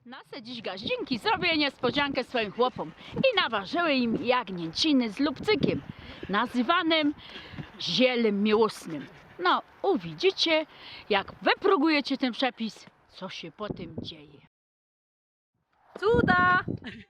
Nasę dziś gaździnki zrobię niespodziankę swoim chłopom i naważyły im jagnięciny z lubcykiem, nazywanym zielem miłosnym. No, uwidzicie, jak wypróbujecie ten przepis, co się po tym dzieje. Cuda!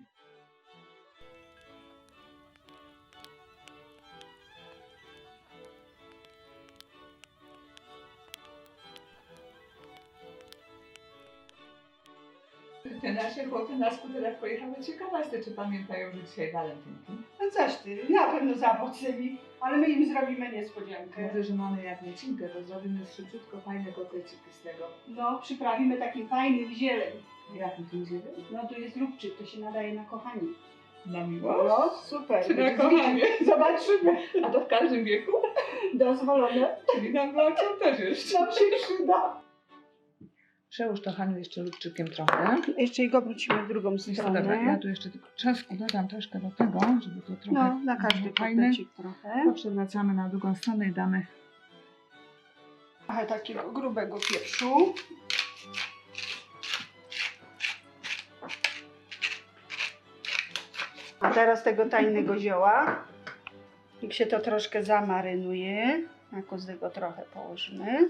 Te nasze chłopy na skuterach pojechały. Ciekawa jestem, czy pamiętają, że dzisiaj walentynki. No coś ty, na pewno zawocyli, ale my im zrobimy niespodziankę. Mówię, że mamy jagnięcinkę, to zrobimy szybciutko fajne kotleciki z tego. No, przyprawimy takim fajnym zieleń. Jaki tu idzie? No tu jest lubczyk, to się nadaje na kochanie. Na miłość? No, super. Czy na kochanie? Zobaczymy. A to w każdym wieku? Dozwolone. Czyli na mleczą też jeszcze. Nam się przyda. Przełóż to, Haniu, jeszcze lubczykiem trochę. Jeszcze go wrócimy w drugą Dobra, ja tu jeszcze tylko czosnku dodam troszkę do tego, żeby to trochę No, na każdy było fajne. kotlecik trochę. To przewracamy na drugą stronę i damy. Trochę takiego grubego pieprzu. A teraz tego tajnego zioła. Jak się to troszkę zamarynuje, na kozłego trochę położymy.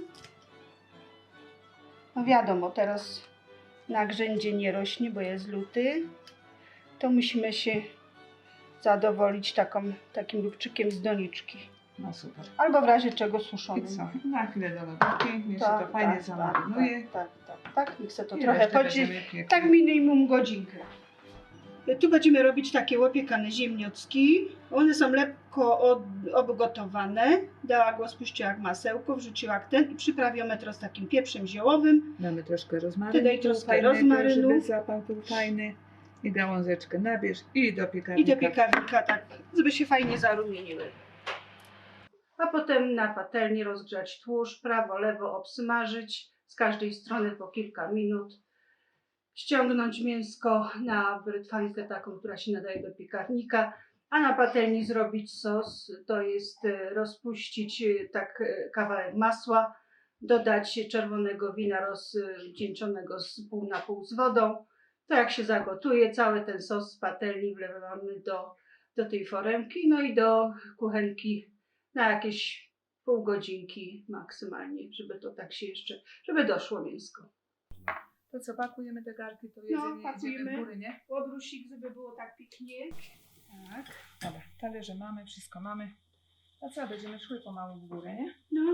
No wiadomo, teraz na grzędzie nie rośnie, bo jest luty. To musimy się zadowolić takim lubczykiem z doniczki. No super. Albo w razie czego I suszonym. co? Na chwilę do lodówki, niech się to fajnie zamarynuje. Tak, niech se to I trochę resztę chodzi. będziemy piekli. Tak minimum godzinkę. Tu będziemy robić takie łopiekane ziemniocki. One są lekko obgotowane. Dała go, spuściła jak masełko, wrzuciła jak ten i przyprawione teraz takim pieprzem ziołowym. Damy troszkę rozmarynu. Ty daj troszkę fajnego, rozmarynu. żeby zapach był fajny. I gałązeczkę nabierz i do piekarnika. I do piekarnika tak, żeby się fajnie zarumieniły. A potem na patelni rozgrzać tłuszcz, prawo, lewo obsmażyć. Z każdej strony po kilka minut. Ściągnąć mięsko na brytwankę taką, która się nadaje do piekarnika, a na patelni zrobić sos, to jest rozpuścić tak kawałek masła, dodać czerwonego wina rozcieńczonego z pół na pół z wodą. To jak się zagotuje, cały ten sos z patelni wlewamy do tej foremki, no i do kuchenki na jakieś pół godzinki maksymalnie, żeby to tak się jeszcze, żeby doszło mięsko. To co, pakujemy te garki, to No, jedzenie pakujemy. idziemy w góry, nie? Łobrusik, żeby było tak pięknie. Tak. Dobra, talerze mamy, wszystko mamy. A co, będziemy szły pomału w górę, nie? No.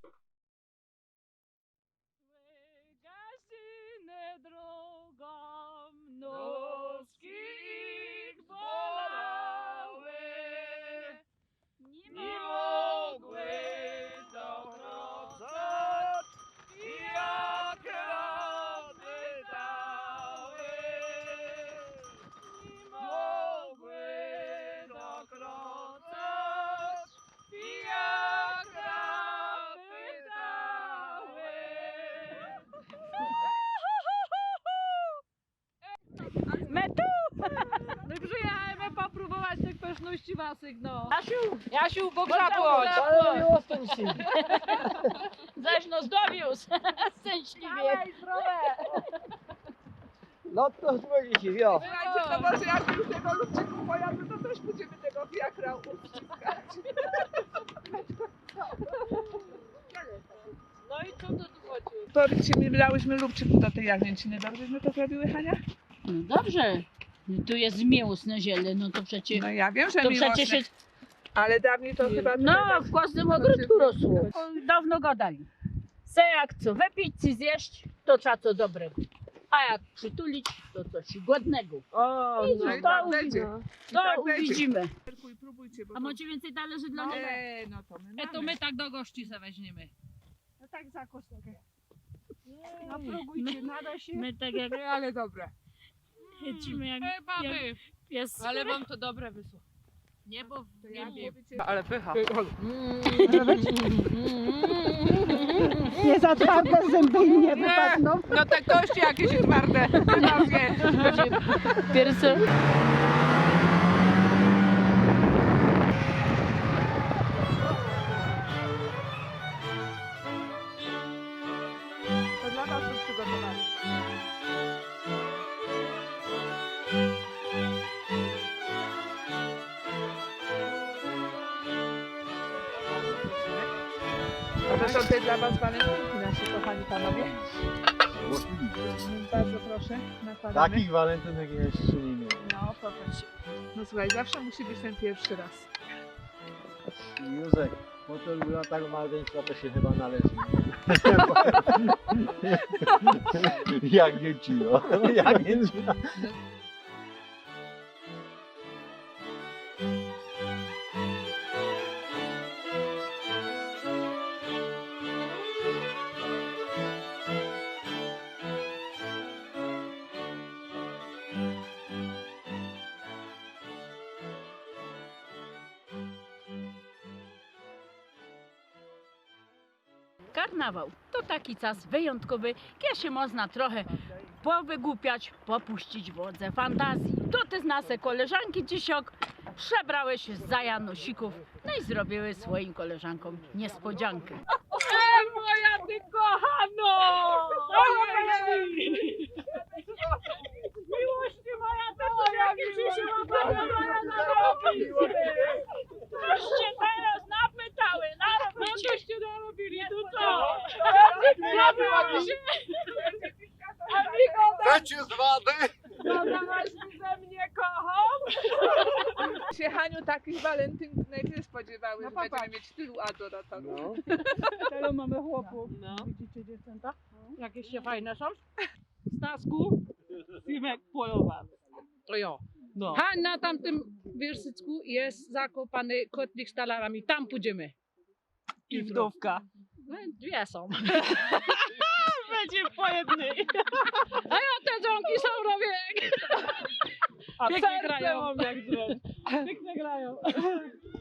Gaździny drogą nóżki ich bolały, nie mogły dokrocać, jak rady dały, nie mogły dokrocać, jak rady dały. My tu! My przyjechaliśmy popróbować tych pyszności waszych, no. Jasiu, pogrzabłoć! Zaś nos dowiózł, szczęśliwie. No to dzwonicie, jo. Słuchajcie, to może jak już tego lubczyku pojadę, to też będziemy tego fiakra uściskać. No i co to tu chodzi? Powiedzcie mi, lałyśmy lubczyku do tej jagnięciny. Dobrześmy to zrobiły, Hania? No dobrze, tu jest miłosne ziele, no to przecież... No ja wiem, że To miłosne, przecież jest, ale dawniej to chyba... no tyle w każdym ogródku rosło. Dawno gadali. Se jak co wypić, czy zjeść, to trzeba co dobrego. A jak przytulić, to coś głodnego. O, I no no, i to, tak będzie. to tak będzie. uwidzimy. Próbujcie, bo A macie więcej talerzy dla mnie? no to my to my tak do gości se weźmiemy. No tak za kostkę. No próbujcie, nada się. My tak jak Ale dobre. jedzimy jak Baby, pies. ale wam to dobre wysło. Nie, bo To jak wiem. mówicie, Ale pycha. Nie za twarde zęby im nie wypadną. no te kości jakieś twarde. No wie. Pierwsze. To dla was to przygotowali. to dla was walentynki, nasi kochani panowie. Bardzo proszę, nakładamy. Takich walentynek jeszcze nie miałem. No, popatrz. No słuchaj, zawsze musi być ten pierwszy raz. Józek, po tylu latach małżeństwa to się chyba należy. Jak nie ci, no. Jak nie ci. Karnawał to taki czas wyjątkowy, kiedy się można trochę powygłupiać, popuścić wodze fantazji. To te nasze koleżanki dzisiaj przebrały się za Janosików, no i zrobiły swoim koleżankom niespodziankę. Moja ty kochano! Miłości moja ty jaki przyszła Coście teraz napytały, narobicie. Coście narobili, tu co? Chcecie z wady? Dodałaś mi ze mnie kocham? Się Haniu takich walentynek nie spodziewały, że będziemy mieć tylu adoratorów. No. Tyle mamy chłopów. No. Widzicie dziewczęta? Jakieś się fajne są? Stasku, Simek polowa. To jo. No. Na tamtym wierszycku jest zakopany kotlik z talarami. Tam pójdziemy. I wdówka. No, dwie są. Będzie po jednej. A ja te dzwonki są robię. A pięknie grają. Pięknie grają.